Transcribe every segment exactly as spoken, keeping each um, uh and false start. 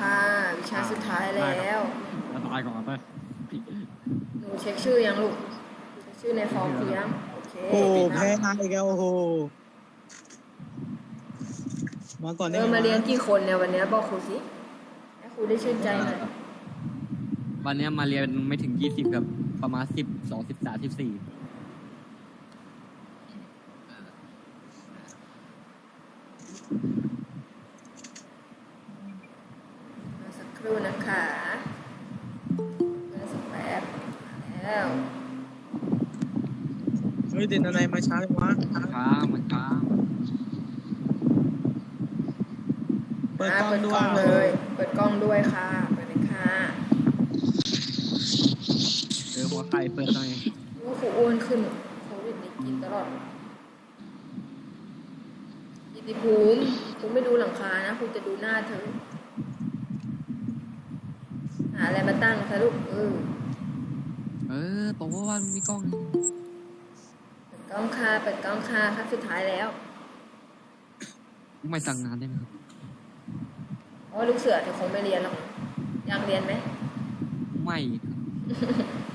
ค่ะวิชาสุดท้ายแล้วมาตายก่อนไปหนูเช็คชื่อยังลูกเช็คชื่อในฟอร์มคือยังโอเคโอ้แพ้นายอีกแล้วโอ้โหมาก่อนได้เออไงมาเรียนกี่คนเนี่ยวันนี้บอกครูสิให้ครูได้ชื่นใจหน่อยวันนี้มาเรียนไม่ถึงยี่สิบกับประมาณสิบสองสิบสามสิบสี่มาสักครู่นะคะมาสักแป๊บแล้วเฮ้ยเด่นอะไรมาช้าเลยวะช้ามันช้าเปิดอ่ากล้องเปิดด้กวล้องเลย ยเปิดกล้องด้วยค่ะเปิดเลยค่ะเออหัวไข่เปิดหน่อยลูกครูอ้วนขึ้นโควิดนี่กินตลอดยิติภูมิครูไม่ดูหลังคานะครูจะดูหน้าเธอหาอะไรมาตั้งคะลูกเออเออบอกว่าว่ามีกล้องเปิดกล้องค่ะเปิดกล้องค่ะครับสุดท้ายแล้วไม่สั่งงานได้ไหมครับเพราะว่าลูกเสือเธอคงไม่เรียนหรอกอยากเรียนไหมไม่ครับ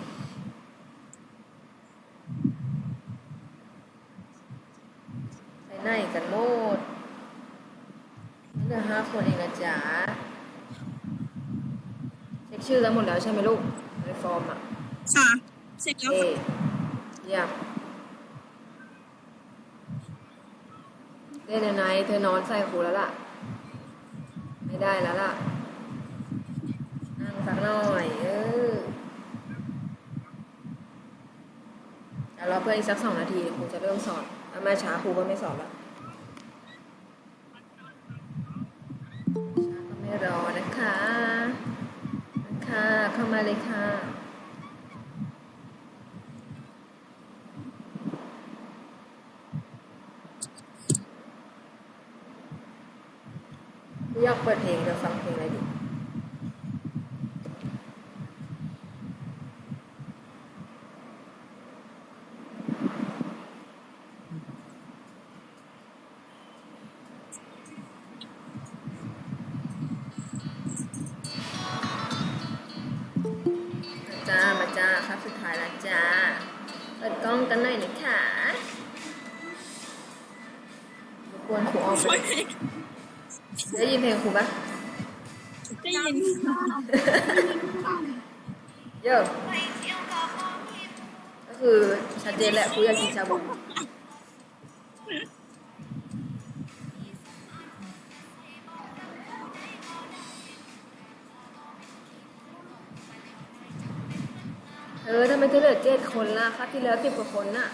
ไปไหนกันโมดเหลือห้าคนเองนะจ๊ะเช็คชื่อแล้วหมดแล้วใช่ไหมลูกในฟอร์มอ่ะค่ะเสร็จแล้วเอค่ะเยี่ยมเล่นยังไงเธอนอนใส่ครูแล้วล่ะ ไม่ได้แล้วล่ะ นั่งสักหน่อยเออเดี๋ยวรอเพื่อนอีกสักสองนาทีครูจะเริ่มสอนถ้ามาช้าครูก็ไม่สอนแล้วช้าก็ไม่รอนะคะนะคะเข้ามาเลยค่ะอยากเปิดเพลงจะฟังเพลงอะไรดีจ้ามาจ้าครับสุดท้ายแล้วจ้าเปิดกล้องกันหน่อยนะคะรบกวนครูออมไปได้ยินเพลงครูปะได้ยินค่ะเยอะก็คือชัดเจนแหละครูอยากกินชาบูเออทำไมเธอเหลือเจ็ดคนล่ะครับที่แล้วสิบกว่าคนน่ะ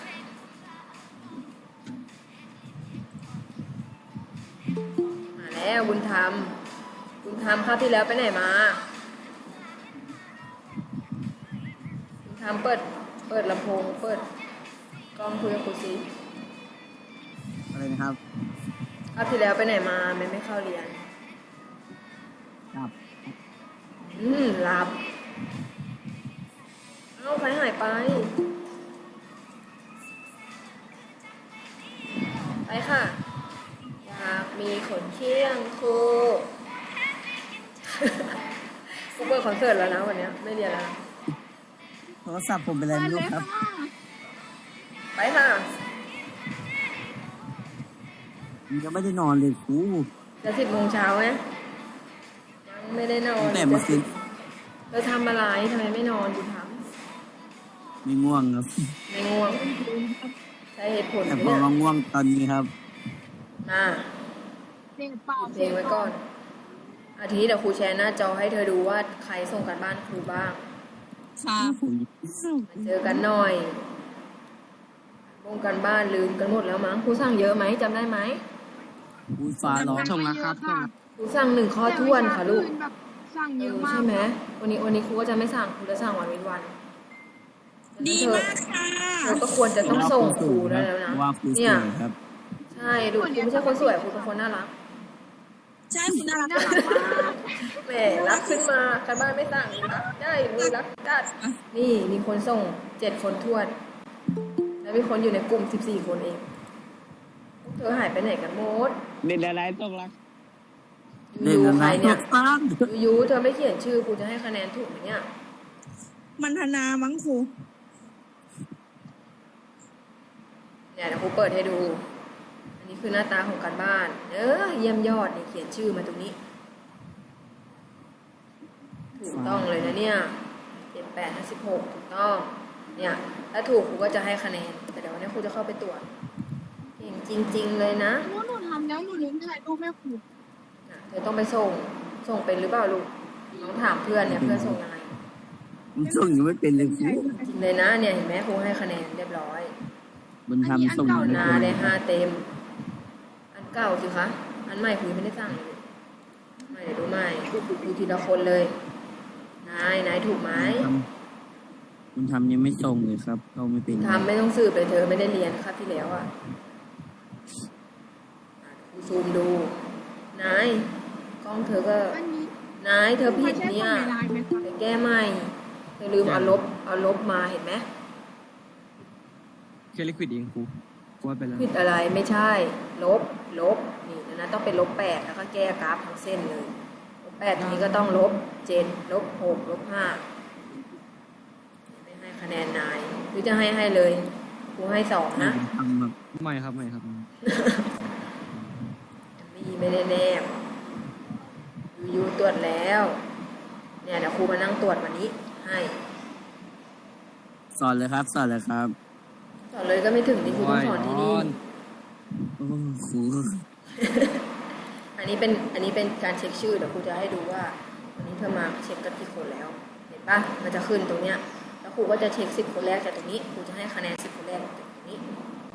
มาแล้วบุญธรรมบุญธรรมครับที่แล้วไปไหนมาบุญธรรมเปิดเปิดลำโพงเปิดกล้องคุยกับครูซิอะไรนะครับครับที่แล้วไปไหนมาไม่ไม่เข้าเรียนครับอืมหลับเอ้าใครหายไป ไปค่ะ อยากมีขนเคี้ยงครู กูเปิดคอนเสิร์ตแล้วนะวันเนี้ยไม่เรียนแล้วนะโทรศัพท์ผมเป็นอะไรไม่รู้ครับไปค่ะยังไม่ได้นอนเลยครูจะสิบโมงเช้าไหมยังไม่ได้นอนแต่เมื่อคืนเธอทำอะไรทำไมไม่นอนดูทไม่ง่วงครับำไม่ง่วงใช้เหตุผลแต่ไหมพอเนี่ยมาง่วงตอนนี้ครับอ่าเพลงเปล่าเพลงไว้ก่อนอาทิตย์เดี๋ยวครูแชร์หน้าจอให้เธอดูว่าใครส่งกันบ้านครูบ้างค่ะผมมาเจอกันหน่อยวงกันบ้านลืมกันหมดแล้วมั้งครูสั่งเยอะไหมจำได้ไหมอุ้ยฟ้าร้องส่งแล้วครับส่งครูสั่งหนึ่งข้อท้วนค่ะลูกแบบสั่งเอเยออะมากใช่ไหมวันนี้วันนี้ครูก็จะไม่สั่งครูจะสั่งวันเว้นวันดีมากค่ะเธอก็ควรจะต้องส่งครูได้แล้วนะว่าครูสเนี่ยวยครับใช่ดูครูไม่ใช่คนสวยครูเป็นคนน่ารักใช่คุณน่ารักมากแหมรักขึ้นมาการบ้านไม่สั่งรักได้มีรักจัดนี่มีคนส่งเจ็ดคนท้วน แล้วมีคนอยู่ในกลุ่มสิบสี่คนเองพวกเธอหายไปไหนกันหมดเล่นอะไรต้องรักเล่นยูแล้วใครนะเนี่ยตั้งยูยูเธอไม่เขียนชื่อครูจะให้คะแนนถูกไหมเนี่ยมันธนามั้งครูเนี่ยเดี๋ยวครูเปิดให้ดู อันนี้คือหน้าตาของการบ้าน เออเยี่ยมยอดนี่เขียนชื่อมาตรงนี้ ถูกต้องเลยนะเนี่ยเจ็ดแปดห้าสิบหกถูกต้อง เนี่ย ถ้าถูกครูก็จะให้คะแนน แต่เดี๋ยววันนี้ครูจะเข้าไปตรวจเก่งจริง ๆ เลยนะหนูหนูทำแล้วหนูลืมถ่ายรูปแม่ครูน่ะเธอต้องไปส่ง ส่งเป็นหรือเปล่าลูกน้องถามเพื่อนเนี่ยเพื่อนส่งยังไงมันส่งยังไม่เป็นเลยครูจริงเลยนะเนี่ยเห็นไหมครูให้คะแนนเรียบร้อยมันทำส่งยังไม่นาเป็นได้ห้าเต็ม อันเก่าสิคะ อันใหม่ครูยังไม่ได้สั่งเลยไม่เดี๋ยวดูใหม่ดูทีละคนเลย นายนายถูกไหมทำมันทำยังไม่ส่งเลยครับเราไม่เป็นทำไม่ต้องสืบเลยเธอไม่ได้เรียนครับที่แล้วอ่ะอ่ะครูซูมดู นายกล้องเธอก็อันนี้นายเธอผิดใช่เนี่ยของในไลน์ไหมคะไปแก้ใหม่เธอลืมเอาลบเอาลบมาเห็นไหมแค่ลิควิดเองครูครูว่าไปแล้วผิดอะไรไม่ใช่ ลบลบนี่นะนะต้องเป็นลบแปดแล้วก็แก้กราฟทั้งเส้นเลยลบแปดทีนี้ก็ต้องลบเจ็ดลบหกลบห้าไม่ให้คะแนนนายหรือจะให้ให้เลยครูให้สองนะทำแบบไม่ครับไม่ครับมีไม่ได้แนบยูยูตรวจแล้ว เนี่ยเดี๋ยวครูมานั่งตรวจวันนี้ให้สอนเลยครับ สอนเลยครับสอนเลยก็ไม่ถึงที่ครูต้องสอนที่นี่โอ้ครูอันนี้เป็นอันนี้เป็นการเช็คชื่อเดี๋ยวครูจะให้ดูว่าวันนี้เธอมาเช็คกันกี่คนแล้ว เห็นปะมันจะขึ้นตรงเนี้ยแล้วครูก็จะเช็คสิบคนแรกจากตรงนี้ครูจะให้คะแนนสิบคนแรกจากตรงนี้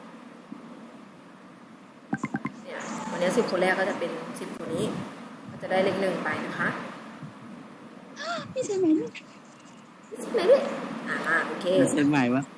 เนี่ยวันนี้สิบคนแรกก็จะเป็นสิบคนนี้ ก็จะได้เลขหนึ่งไปนะคะพี่ใช่ไหมลูกสิบไหนด้วยอ่ามาโอเคจะเซ็นใหม่วะ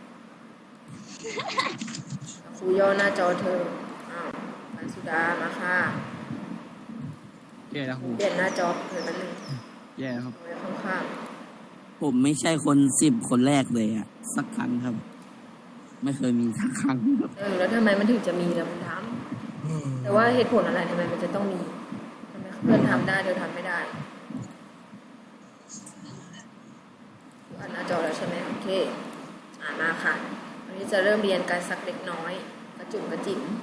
ครูย่อหน้าจอเธออ้าวปันสุดามาค่ะแย่แล้วครูเปลี่ยนหน้าจอเธอแป๊บนึงแย่แล้วครับเอาไว้ข้างผมไม่ใช่คนสิบคนแรกเลยอะสักครั้งครับ ไม่เคยมีสักครั้งครับๆเออแล้วทำไมมันถึงจะมีล่ะคุณทำแต่ว่าเหตุผลอะไรทำไมมันจะต้องมีทำไมเพื่อนทำได้เธอทำไม่ได้อ่านหน้าจอแล้วใช่ไหมโอเคอ่านมาค่ะวันนี้จะเริ่มเรียนกันสักเล็กน้อย กระจุ่มกระจิ๋ม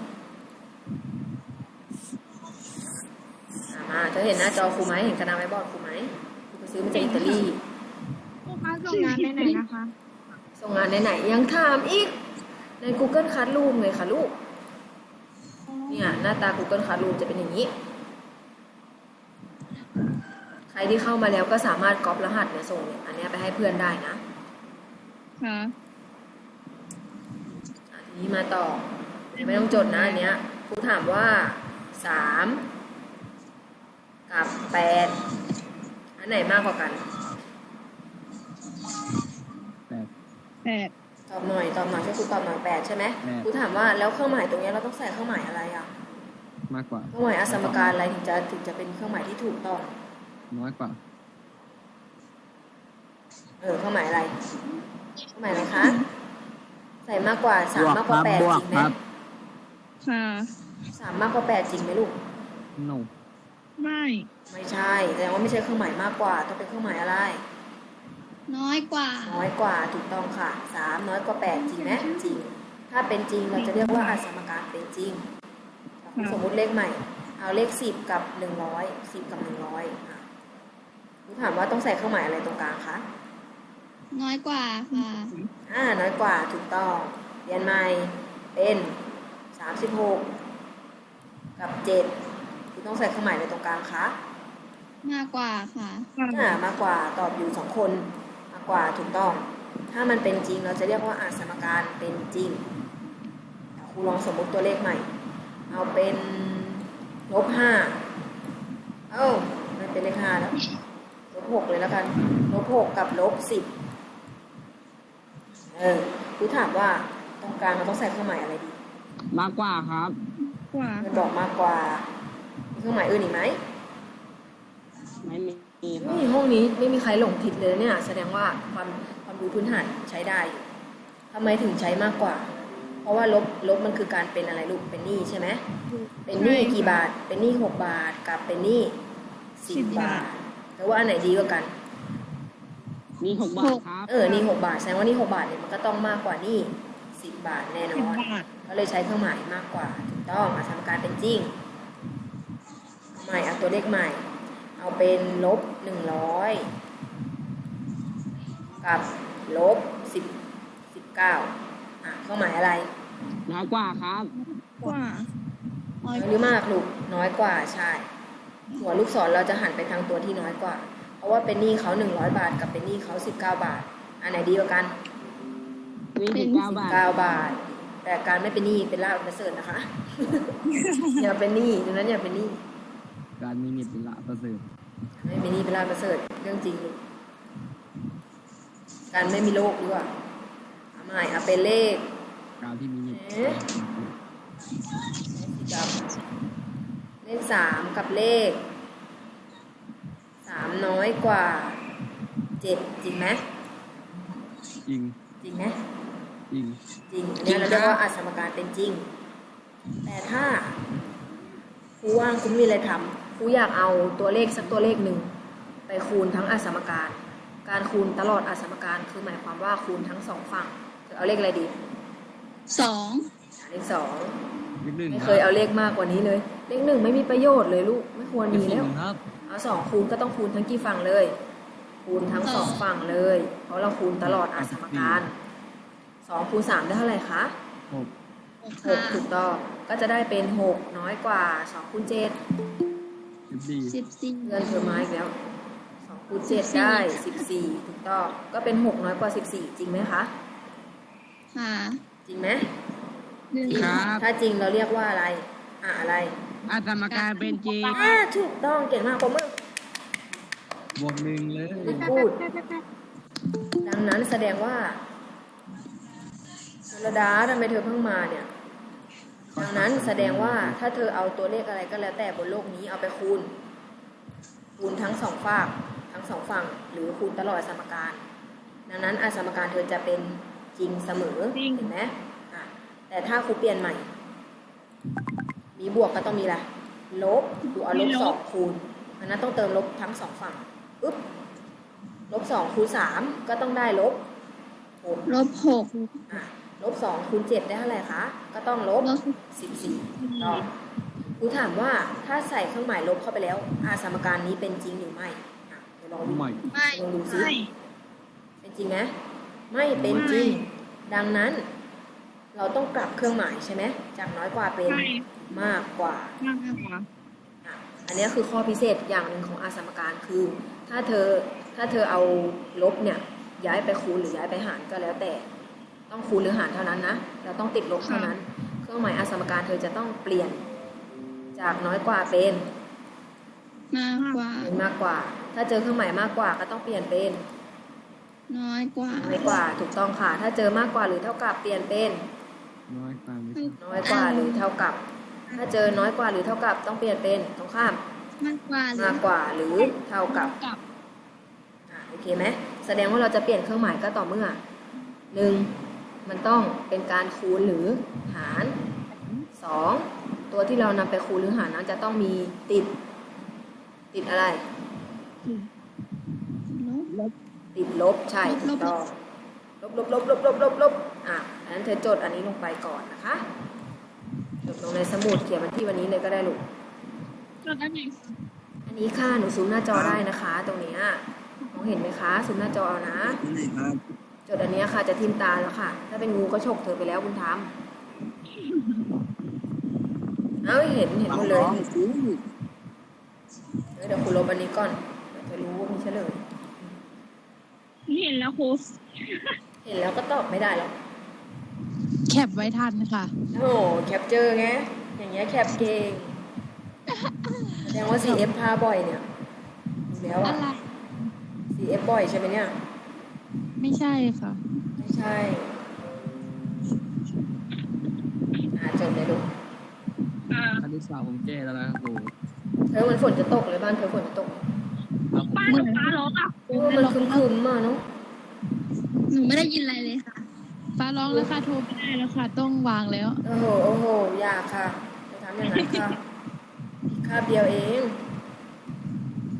อ่ามาเธอเห็นหน้าจอครูไหมเห็นกระดานไม้บอร์ดครูไหมครูไปซื้อมาจากอิตาลีครูคะส่งงานได้ไหนนะคะส่งงานไหนๆยังถามอีก ใน Google Classroom เลยค่ะลูก เนี่ยหน้าตา Google Classroom จะเป็นอย่างนี้ ใครที่เข้ามาแล้วก็สามารถก๊อปรหัสเนี่ยส่งเนี่ยอันเนี้ยไปให้เพื่อนได้นะค่ะอ่ะทีนี้มาต่อ ไม่ต้องจดนะอันเนี้ยครูถามว่าสามกับแปดอันไหนมากกว่ากันแปดแปดตอบหน่อยตอบหน่อยช่วยครูตอบหน่อยแปดใช่ไหมแปดครูถามว่าแล้วเครื่องหมายตรงเนี้ยเราต้องใส่เครื่องหมายอะไรอ่ะมากกว่าเครื่องหมายอสมการอะไรถึงจะถึงจะเป็นเครื่องหมายที่ถูกต้องน้อยกว่าเออเครื่องหมายอะไรเครื่องหมายอะไรคะใส่มากกว่าสามบวกมากกคว่ารับแปดบวจกริงไหมครับค่ะสามมากกว่าแปดจริงไหมลูก no ไม่ไม่ใช่แสดงว่าไม่ใช่เครื่องหมายมากกว่าต้องเป็นเครื่องหมายอะไรน้อยกว่าน้อยกว่าถูกต้องค่ะสามน้อยกว่าแปดจริงไหมจริง ถ้าเป็นจริงเราจะเรียกว่าอสมการเป็นจริงสมมุติเลขใหม่ เอาเลขสิบกับหนึ่งร้อยสิบกับหนึ่งร้อยคุณถามว่าต้องใส่เครื่องหมายอะไรตรงกลางคะน้อยกว่าค่ะอ่าน้อยกว่าถูกต้องเรียนใหม่เป็นสามสิบหกกับเจ็ดคุณต้องใส่เครื่องหมายอะไรตรงกลางคะมากกว่าค่ะอ่ามากกว่าตอบอยู่สองคนมากกว่าถูกต้อง ถ้ามันเป็นจริงเราจะเรียกว่าอาสมการเป็นจริงครูลองสมมุติตัวเลขใหม่ เอาเป็นลบห้าเอ้ามันเป็นเลขห้าแล้วลบหกเลยแล้วกันลบหกกับลบสิบเออครูถามว่าตรงกลางเราต้องใส่เครื่องหมายอะไรดีมากกว่าครับกว่ามันบอกมากกว่ามีเครื่องหมายอื่นอีกไหมไม่มีครันี่บห้องนี้ไม่มีใครหลงผิดเลยเนี่ยแสดงว่าความความรู้พื้นฐานใช้ได้อยู่ทำไมถึงใช้มากกว่า เพราะว่าลบลบมันคือการเป็นอะไรลูกเป็นหนี้ใช่ไหมเป็นหนี้กี่บาท เป็นหนี้หกบาทกับเป็นหนี้สิบบาทแต่ว่าอันไหนดีกว่ากันนี่หกบาทครับเออ นี่หกบาท แสดงว่านี่หกบาทเนี่ยมันก็ต้องมากกว่านี่สิบบาทแน่นอน ก็เลยใช้เครื่องหมายมากกว่า ถูกต้องอาสมการเป็นจริงใหม่เอาตัวเลขใหม่ เอาเป็นลบหนึ่งร้อยกับลบสิบสิบเก้าอ่ะเครื่องหมายอะไรน้อยกว่าครับกว่าน้น้ออย ยกหรือว่ามากลูกน้อยกว่าใช่ หัวลูกศรเราจะหันไปทางตัวที่น้อยกว่า เพราะว่าเป็นหนี้เขาหนึ่งร้อยบาทกับเป็นหนี้เขาสิบเก้าบาท อันไหนดีกว่ากันนี่สิบเก้าบาทเก้าบาท แต่การไม่เป็นหนี้เป็นลาภประเสริฐนะคะ อย่าเป็นหนี้ดังนั้นอย่าเป็นหนี้การมีนิตเป็นละประเสริฐไม่เป็นหนี้เป็นลาภประเสริฐเรื่องจริงลูกการไม่มีโรคดีกว่าเอาใหม่เอาเป็นเลขการที่มีนิตเอ๊ะ กับเลขสามกับเลขสามน้อยกว่าเจ็ดจริงไหมจริงจริงไหมจริงจริงอันนี้เราเรียกว่าอาสมการเป็นจริง แต่ถ้าครูว่างคุณมีอะไรทำครูอยากเอาตัวเลขสักตัวเลขหนึ่งไปคูณทั้งอาสมการ การคูณตลอดอาสมการคือหมายความว่าคูณทั้งสองฝั่งจะเอาเลขอะไรดีสองเลขสองเลขหนึ่งไม่เคยเอาเลขมากกว่านี้เลย เลขหนึ่งไม่มีประโยชน์เลยลูกไม่ควรเลขมีสี่แล้วครับเอาสองคูณก็ต้องคูณทั้งกี่ฝั่งเลย คูณทั้งสองฝั่งเลย เพราะเราคูณตลอดอาสมการสองคูณสามได้เท่าไหร่คะหกหกหค่ะกถูกต้องก็จะได้เป็นหกน้อยกว่าสองคูณเจ็ดสิบสี่สิบสี่เงินเพิ่มมาอีกแล้วสองคูณเจ็ดได้สิบสี่ถูกต้องก็เป็นหกน้อยกว่าสิบสี่จริงไหมคะค่ะจริงไหมหนึ่งครับถ้าจริงเราเรียกว่าอะไรอ่ะอะไรอาสมการเป็นจริงอ่าถูกต้องเก่งมากผมมือบวกหนึ่งเลยพูด ดังนั้นแสดงว่าชลดาทำไมเธอเพิ่งมาเนี่ย ดังนั้นแสดงว่าถ้าเธอเอาตัวเลขอะไรก็แล้วแต่บนโลกนี้เอาไปคูณ คูณทั้งสองฝากทั้งสองฝั่งหรือคูณตลอดสมการ ดังนั้นอาสมการเธอจะเป็นจริงเสมอเห็นไหมอ่ะแต่ถ้าครูเปลี่ยนใหม่ มีบวกก็ต้องมีอะไรลบดูเอาลบสองคูณอันนั้นต้องเติมลบทั้งสองฝั่งปึ๊บลบสองคูณสามก็ต้องได้ลบหกลบหกอ่ะลบสองคูณเจ็ดได้เท่าไหร่คะ ก็ต้องลบลบสิบสี่ต่อครูถามว่าถ้าใส่เครื่องหมายลบเข้าไปแล้ว อาสมการนี้เป็นจริงหรือไม่อ่ะเดี๋ยวลองดูใหม่ไม่ลองดูซิไม่เป็นจริงไหมไม่เป็นจริง ดังนั้น เราต้องกลับเครื่องหมายใช่ไหมจากน้อยกว่าเป็นมากกว่ามากกว่าอ่ะอันนี้คือข้อพิเศษอย่างหนึ่งของอาสมการคือ ถ้าเธอถ้าเธอเอาลบเนี่ยย้ายไปคูณหรือย้ายไปหารก็แล้วแต่ต้องคูณหรือหารเท่านั้นนะเราต้องติดลบเท่านั้น เครื่องหมายอาสมการเธอจะต้องเปลี่ยนจากน้อยกว่าเป็นมากกว่าเป็นมากกว่า ถ้าเจอเครื่องหมายมากกว่าก็ต้องเปลี่ยนเป็นน้อยกว่าน้อยกว่าถูกต้องค่ะ ถ้าเจอมากกว่าหรือเท่ากับเปลี่ยนเป็นน้อยกว่าไม่น้อยกว่าหรือเท่ากับ ถ้าเจอน้อยกว่าหรือเท่ากับต้องเปลี่ยนเป็นตรงข้ามมากกว่าหรือมากกว่าหรือเท่ากับกับอ่ะโอเคไหมแสดงว่าเราจะเปลี่ยนเครื่องหมายก็ต่อเมื่อหนึ่งมันต้องเป็นการคูณหรือหารสองตัวที่เรานำไปคูณหรือหารนั้นจะต้องมีติด ติดอะไรลบติดลบใช่ลบถูกต้องลบลบลบลบลบลบลบอ่ะอันนั้นเธอจดอันนี้ลงไปก่อนนะคะจดลงในสมุดเขียนวันที่วันนี้เลยก็ได้ลูกลบได้ไหมอันนี้ค่ะหนูซูมหน้าจอได้นะคะ ตรงเนี้ยมองเห็นไหมคะซูมหน้าจอเอานะที่ไหนครับจดอันเนี้ยค่ะจะทิมตาแล้วค่ะ ถ้าเป็นงูก็ฉกเธอไปแล้วคุณทำเอ้าเห็นเห็นหมดเลยน้องๆอู้เดี๋ยวคุณลบอันนี้ก่อนเดี๋ยวจะรู้ว่ามีเฉลยเห็นแล้วครูเห็นแล้วก็ตอบไม่ได้หรอกแคปไว้ทันค่ะโอ้โหแคปเจอร์ไงอย่างเงี้ยแคปเก่งแสดงว่า ซี เอฟ พาบ่อยเนี่ยดูแล้วอะอะไรซี เอฟ บ่อยใช่ไหมเนี่ยไม่ใช่ค่ะไม่ใช่อ่าจดเลยลูกอ่าคณิตศาสตร์ผมแก้แล้วนะครับครูเธอมันฝนจะตกเลยบ้านเธอฝนจะตกครับผมบ้านหนูฟ้าร้องอ่ะโอ้มันครึมๆมาเนาะหนูไม่ได้ยินอะไรเลยค่ะฟ้าร้องแล้วค่ะ โทรไม่ได้แล้วค่ะ ต้องวางแล้วโอ้โหโอ้โหอยากค่ะจะทำอย่างนั้นค่ะคาบเดียวเอง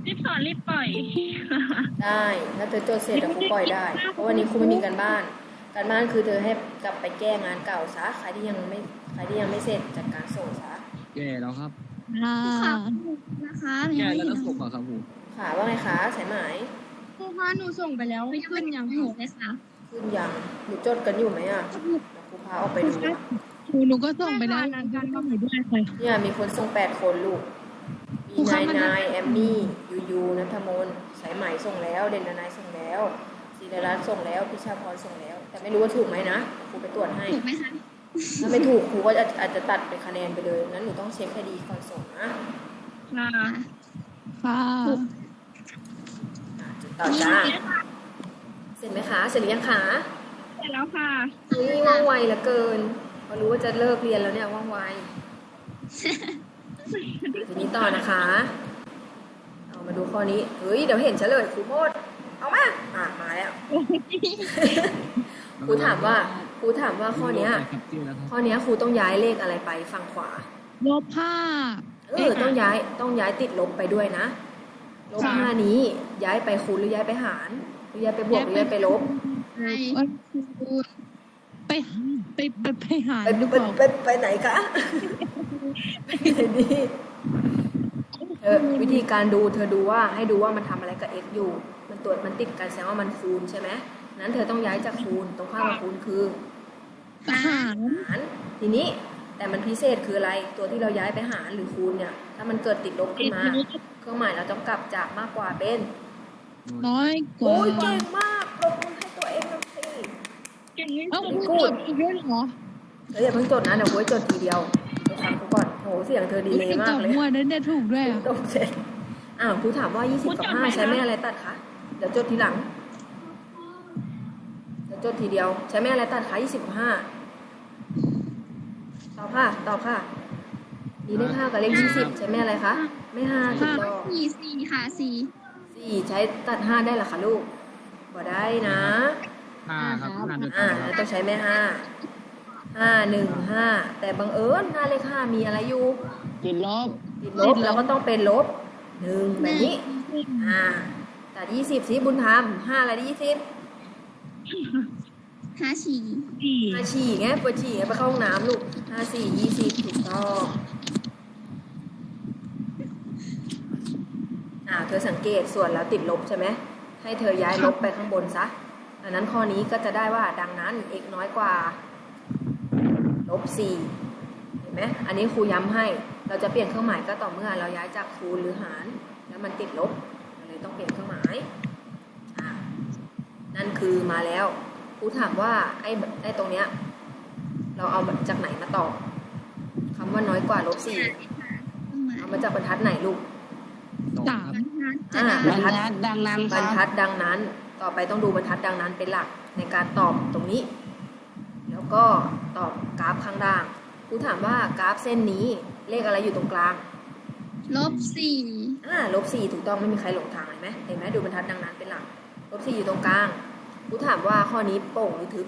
รีบสอนรีบปล่อยได้ถ้าเธอจดเสร็จเดี๋ยวครูปล่อยได้ เพราะวันนี้ครูไม่มีการบ้าน การบ้านคือเธอให้กลับไปแก้งานเก่าซะใครที่ยังไม่ใครที่ยังไม่เสร็จจัดการส่งซะแย่แล้วครับค่ะค่ะนะคะแย่แล้วต้องส่งก่อนครับครูค่ะว่าไงคะสายไหมครูคะหนูส่งไปแล้วขึ้นยังหนูเลยค่ะขึ้นยังหนูจดกันอยู่ไหมอ่ะเดี๋ยวครูพาออกไปดูครูหนูก็ส่งไปแล้วนั้นกันก็หนูด้วยค่ะเนี่ยมีคนส่งแปดคนลูก มีนายนายแอมมี่ยูยูนัทมนสายไหมส่งแล้วเด่นนายส่งแล้วศิริรัตน์ส่งแล้วพิชาพรส่งแล้ว แต่ไม่รู้ว่าถูกไหมนะครูไปตรวจให้ถูกไหมคะถ้าไม่ถูกครูก็จะอาจจะตัดเป็นคะแนนไปเลยนั้นหนูต้องเช็คให้ดีก่อนส่งนะค่ะค่ะอ่ะจุดต่อจ้าเสร็จไหมคะเสร็จหรือยังคะเสร็จแล้วค่ะนี่ว่องไวเหลือเกินพอรู้ว่าจะเลิกเรียนแล้วเนี่ยว่องไว ทีนี้ต่อนะคะ เอามาดูข้อนี้ เฮ้ย เดี๋ยวเห็นเฉลยครูโมด เอามา อ่ะ มาแล้ว ครูถามว่า ครูถามว่าข้อเนี้ยครับชื่อแล้วครับข้อเนี้ยครูต้องย้ายเลขอะไรไปฝั่งขวาลบห้าเออ ต้องย้าย ต้องย้ายติดลบไปด้วยนะ ลบห้านี้ ย้ายไปคูณหรือย้ายไปหาร หรือย้ายไปบวกหรือย้ายไปลบใช่วันครูไปไปไปไปหารไปหรือไปเปล่าไปไปไหนคะ ไปไหนดีเออวิธีการดูเธอดูว่าให้ดูว่ามันทำอะไรกับ x อยู่ มันตรวจมันติดกันแสดงว่ามันคูณใช่ไหมนั้นเธอต้องย้ายจากคูณตรงข้ามกับคูณคือหารหารทีนี้แต่มันพิเศษคืออะไรตัวที่เราย้ายไปหารหรือคูณเนี่ย ถ้ามันเกิดติดลบขึ้นมา เครื่องหมายเราต้องกลับจากมากกว่าเป็นน้อยกโอ้ว่ายเก่งมากปรบมือให้ตัวเองหน่อยสิเก่งที่เอ้าสุดครูจดอีกด้วยเหรอเธออย่าเพิ่งจดนะเดี๋ยวโว้ยจดทีเดียวเดี๋ยวฟังกูก่อนโหเสียงเธอดีเลยมาจกดเลยมั่วนั้นเนี่ยถูกด้วยอ่ะตกเสร็จอ้าวครูถามว่ายี่สิบกับห้าใช้แม่อะไรตัดคะเดี๋ยวจดทีหลังเดี๋ยวจดทีเดียวใช้แม่อะไรตัดคะยี่สิบกับห้าตอบค่ะตอบค่ะมีเลขห้ากับเลขยี่สิบใช้แม่อะไรคะไม่ห้าถูกต้องสี่สี่ค่ะสี่สี่ใช้ตัดห้าได้เหรอคะลูกบ่ได้นะห้าครับห้าด้วยกัอ่านคแล้รัวบต้องใช้แม่ห้าห้าหนึ่งห้าแต่บังเอิญหน้าเลขห้ามีอะไรอยู่ติดลบติดลบแล้วก็ต้องเป็นลบหนึ่งแบบนี้อ่าตัดยี่สิบสิบุญธรรมห้าอะไรได้ยี่สิบห้าสี่สี่ห้าฉี่ไงปวดฉี่ไงไปเข้าห้องน้ำลูกห้าสี่ยี่สิบถูกต้องอ่าเธอสังเกตส่วนแล้วติดลบใช่ไหมให้เธอย้ายลบไปข้างบนซะดังนั้นข้อนี้ก็จะได้ว่าดังนั้น x น้อยกว่าลบสี่เห็นไหมอันนี้ครูย้ำให้เราจะเปลี่ยนเครื่องหมายก็ต่อเมื่อเราย้ายจากคูณหรือหารแล้วมันติดลบเราเลยต้องเปลี่ยนเครื่องหมายอ่านั่นคือมาแล้วครูถามว่าไอ้ไอ้ตรงเนี้ยเราเอาจากไหนมาตอบคำว่าน้อยกว่าลบสี่เอามาจากบรรทัดไหนลูกสองสาคมรับอ่าบรรทัดดังนั้นคบรรัรบทัดดังนั้น ต่อไปต้องดูบรรทัดดังนั้นเป็นหลักในการตอบตรงนี้ แล้วก็ตอบกราฟข้างล่างครูถามว่ากราฟเส้นนี้เลขอะไรอยู่ตรงกลางลบสี่อ่าลบสี่ถูกต้องไม่มีใครหลงทางเห็นไหมเห็นไหมดูบรรทัดดังนั้นเป็นหลักลบสี่อยู่ตรงกลางครูถามว่าข้อนี้โป่งหรือทึบ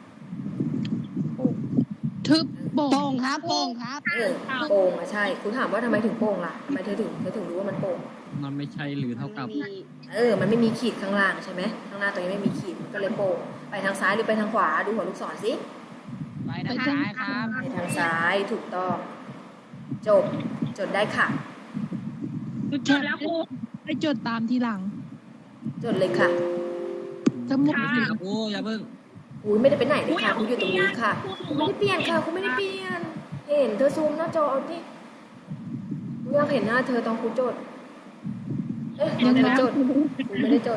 ทึบโป่โป่งงครับโป่งครับเออโป่งอะใช่ครูถามว่าทำไมถึงโป่งล่ะทำไมเธอถึงเธอถึงรู้ว่ามันโป่งมันไม่ใช่หรือเท่ากับเออ มันไม่มีขีดข้างล่างใช่ไหมข้างหน้าตัวนี้ไม่มีขีดมันก็เลยโป่งไปทางซ้ายหรือไปทางขวาดูหัวลูกศรสิไปทางซ้ายครับไปทางซ้ายถูกต้อง จบ จดได้ค่ะจดแล้วครูไปจดตามทีหลังจดเลยค่ะสมุดไม่ใช่ครับโอ้อย่าเพิ่งอุ้ยไม่ได้ไปไหนเลยค่ะคุณอยู่ตรงนี้ค่ะคุณไม่ได้เปลี่ยนค่ะคุณไม่ได้เปลี่ยน เห็นเธอซูมหน้าจอเอาที่คุณอยากเห็นหน้าเธอตอนคุณจด เอ๊ะตอนเธอจดคุณไม่ได้จด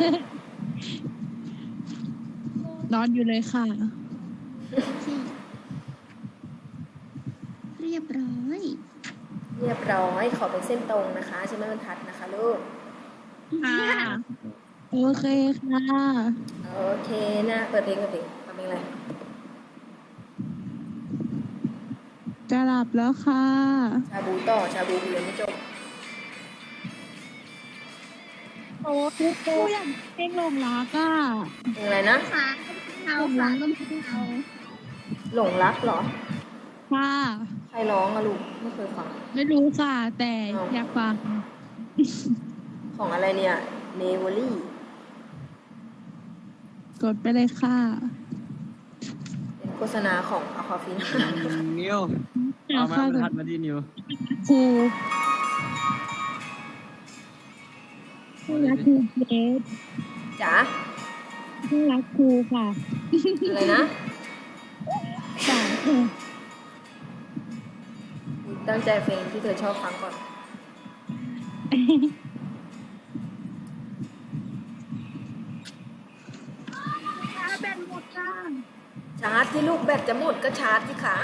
นอนอยู่เลยค่ะเรียบร้อยเรียบร้อยขอเป็นเส้นตรงนะคะใช่ไหมบรรทัดนะคะลูกค่ะโอเคค่ะโอเคนะเปิดเพลงกันเพลงทำเพลงอะไรจะหลับแล้วค่ะชาบูต่อชาบูเรียนไม่จบโอ้ครูครูอยากเพลงหลงรักอ่ะเพลงอะไรนะขาเอาขาก็ไม่เอาหลงรักเหรอค่ะใครร้องอะลูกไม่เคยฟังไม่รู้ค่ะ แต่อ้าวอยากฟังใของอะไรเนี่ยเนเวอรี่กดไปเลยค่ะเป็นโฆษณาของอะควาฟินนิวเอามาบรรทัดมาที่นิวครูผู้รักครูเกรดจ๋าผู้รักครูค่ะอะไรนะสามค่ะตั้งใจเพลงที่เธอชอบฟังก่อนแบนหมดจ้าชาร์จที่ลูกแบตจะหมดก็ชาร์จที่ขา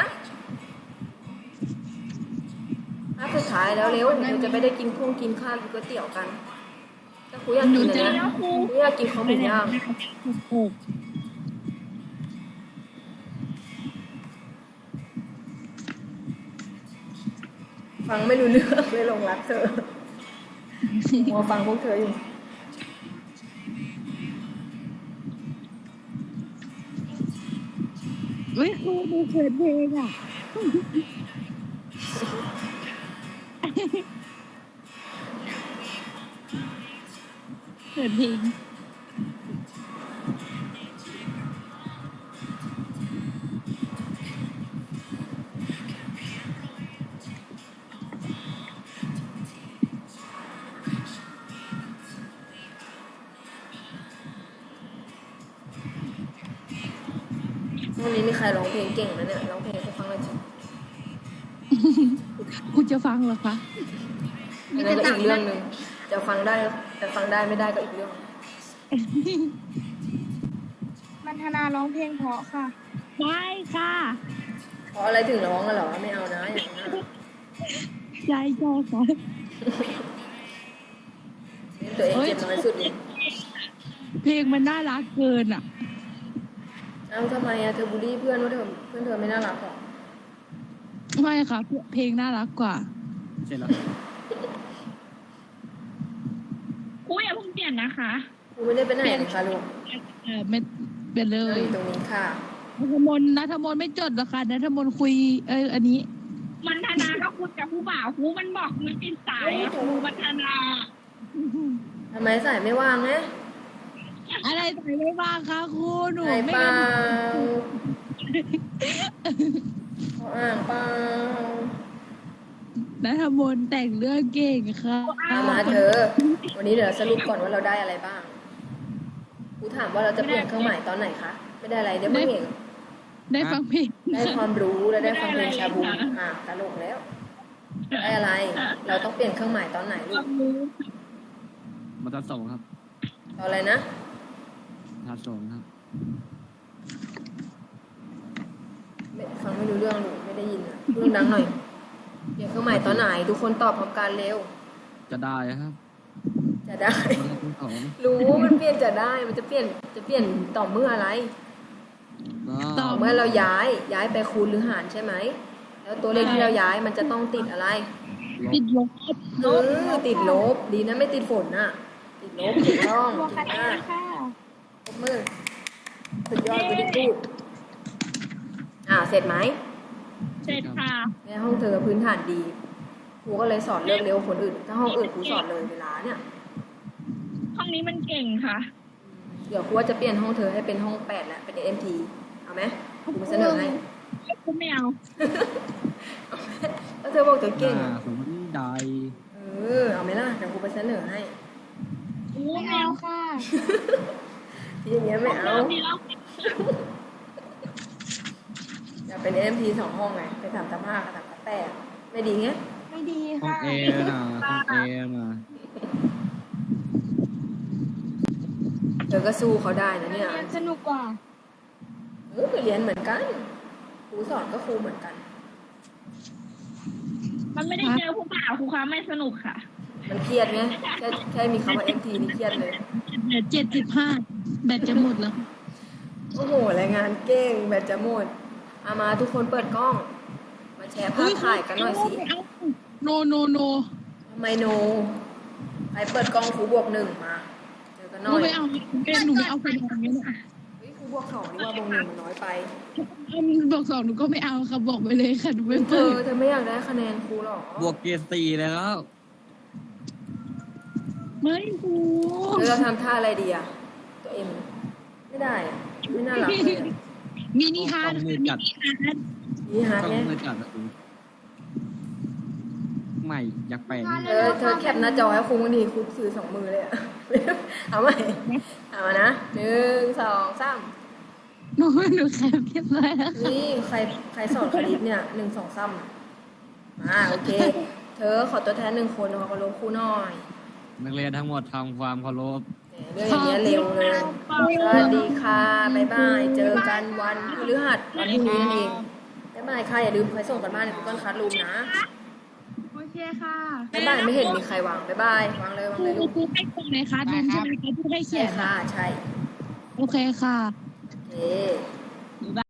ถ้าสุดท้ายแล้วเร็วเดี๋ยวจะไม่ได้กินพุ่งกินข้าวกินก๋วยเตี๋ยวกันถ้าครูอยากกินอะไรนะครูอยากกินข้าวหมูย่างหกฟังไม่รู้เรื่องเลยหลงรักเธอมัวฟังพวกเธออยู่เฮ้ยครูดูเขินเพลงอ่ะ เขินเพลงวันนี้มีใครร้องเพลงเก่งไหมเนี่ยร้องเพลงให้ฟังหน่อยสิคุณจะฟังเหรอคะอันนั้นก็อีกเรื่องหนึ่งจะฟังได้แต่ฟังได้ไม่ได้ก็อีกเรื่องมันธนาร้องเพลงเพราะค่ะได้ค่ะเพราะอะไรถึงร้องอะเหรอไม่เอานะอย่างนั้นอะใจใจค่ะเล่นตัวเองเจ็บน้อยสุดเลยเพลงมันน่ารักเกินอ่ะเอ้าทำไมอะเธอบูลลี่เพื่อนว่าเธอเพื่อนเธอไม่น่ารักหรอไม่ค่ะ เพลงน่ารักกว่าเสร็จแล้วครูอย่าเพิ่งเปลี่ยนนะคะครูไม่ได้ไปไหนเลยค่ะลูกเออไม่เป็นเลเรายอยู่ตรงนี้ค่ะนัทมนต์นัทมนต์ไม่จดหรอกค่ะนัทมนต์คุย เอออันนี้มันธนาก็คุยกับครูบ่าวครูมันบอกมันเป็นสายอะครูมันธนาทำไมสายไม่ว่างไงอะไรใส่ไม่บ้างคะครูหนูสายไม่เปล่างั้นเขาอ่างเปล่านัทมนต์แต่งเรื่องเก่งค่ะเอามาเธอ วันนี้เดี๋ยวสรุปก่อนว่าเราได้อะไรบ้างครูถามว่าเราจะเปลี่ยนเครื่องหมายตอนไหนคะ ไม่ได้อะไรได้ไม่เห็นได้ฟังเพลงได้ความรู้และได้ฟังเพลงชาบูอ่ะตลกแล้ว ได้อะไร เราต้องเปลี่ยนเครื่องหมายตอนไหนลูกบรรทัดสองครับตอนอะไรนะบรรทัดสองครับไม่ฟังไม่รู้เรื่องลูกไม่ได้ยินอ่ะพูดดังหน่อย เปลี่ยนเครื่องหมายตอนไหนทุกคนตอบพร้อมกันเร็วจะได้ครับจะได้บรรทัดที่สองรู้มันเปลี่ยนจะได้ มันจะเปลี่ยนจะเปลี่ยนต่อเมื่ออะไร ต่อเมื่อเราย้ายย้ายไปคูณหรือหารใช่ไหม แล้วตัวเลขที่เราย้ายมันจะต้องติดอะไรติดลบเออติดลบ ดีนะไม่ติดฝนน่ะ ติดลบถูกต้องตัวถูคะกแนมากนค่ะปรบมือสุดยอดไปที่พูดอ่าเสร็จไหมเสร็จค่ะในห้องเธอพื้นฐานดีครูก็เลยสอนเลิกเร็วคนอื่น ถ้าห้องอื่นครูสอนเลยเวลาเนี่ยห้องนี้มันเก่งค่ะเดี๋ยวครูว่าจะเปลี่ยนห้องเธอให้เป็นห้องแปดแล้วเป็นเอ็มทีเอาไหมครูมาเสนอให้ครูไม่เอาแล้วเธอบอกเธอเก่งอ่าสมมติได้เออเอาไหมล่ะเดี๋ยวครูไปเสนอให้ครูไม่เอาค่ะทีอย่างเงี้ยไม่เอาดีแล้วอยากเป็นเอ็มทีสองห้องไงไปสามสามห้ากับสามสามแปดไม่ดีไงไม่ดีห้องค่ะเอนะห้องเอนะเธอก็สู้เขาได้นะเนี่ยเรียนสนุกกว่าเออเรียนเหมือนกันครูสอนก็ครูเหมือนกันมันไม่ได้เจอผู้บ่าวครูคะไม่สนุกค่ะมันเครียดไงแค่แค่มีคำว่าเอ็มทีนี่เครียดเลยเหลือเจ็ดสิบห้าแบตจะหมดแล้วโอ้โหรายงานเก่งแบตจะหมดเอามาทุกคนเปิดกล้อง มาแชร์ภาพถ่ายกันหน่อยสิโนโนโนทำไมโนใครเปิดกล้องครูบวกหนึ่งมาเจอกันหหน่นูอยไม่เอาเป็นหนูไม่เอาคนทำนี้นะเฮ้ยครูบวกสองนี่ว่าบวกหนึ่งมันน้อยไปเอาบอกสองหนูก็ไม่เอาค่ะบอกไปเลยค่ะหนูไม่เธเปิอดเธอไม่อยากได้คะแนนครูหรอบวกเกียร์สี่เลยแล้วเฮ้ยครูหรือเราทำท่าอะไรดีอะตัวเอ็มไม่ได้อะไม่น่ารักเลยอะมินิฮาร์ดต้องมืค่ะอมิจัดนิฮาร์ดนี่ฮาร์ดต้องไงมือจัดอะครูไม่อยากแปลงเออเธอแคปหน้าจอให้ครูบางทีครูซื้อสองมือเลยอะ เอาใหม่เอามานะหนึ่งสองสามหนูหนูแคปเรียบร้อยแล้วค่ะนี่ใครใครสอนคณิตเนี่ยหนึ่งสองสามอ่าโอเค เธอขอตัวแทนหนึ่งคนขอรบครูหน่อยนักเรียนทั้งหมดทำความเคารพแหมเรื่องอย่างเงี้ยเร็วเลยสวัสดีค่ะบ๊ายบายเจอกันวันพฤหัสวันพรุ่งนี้นั่นเองบ๊ายบายค่ะอย่าลืมไปส่งกันบ้านใน Google Classroom นะโอเคค่ะบ๊ายบายไม่เห็นมีใครวางบ๊ายบายวางเลยวางครูเลยลูกครูให้คนไหนคะดูใช่ไหมคะผู้ให้เขีใช่ยนค่ะใช่โอเคค่ะโอเค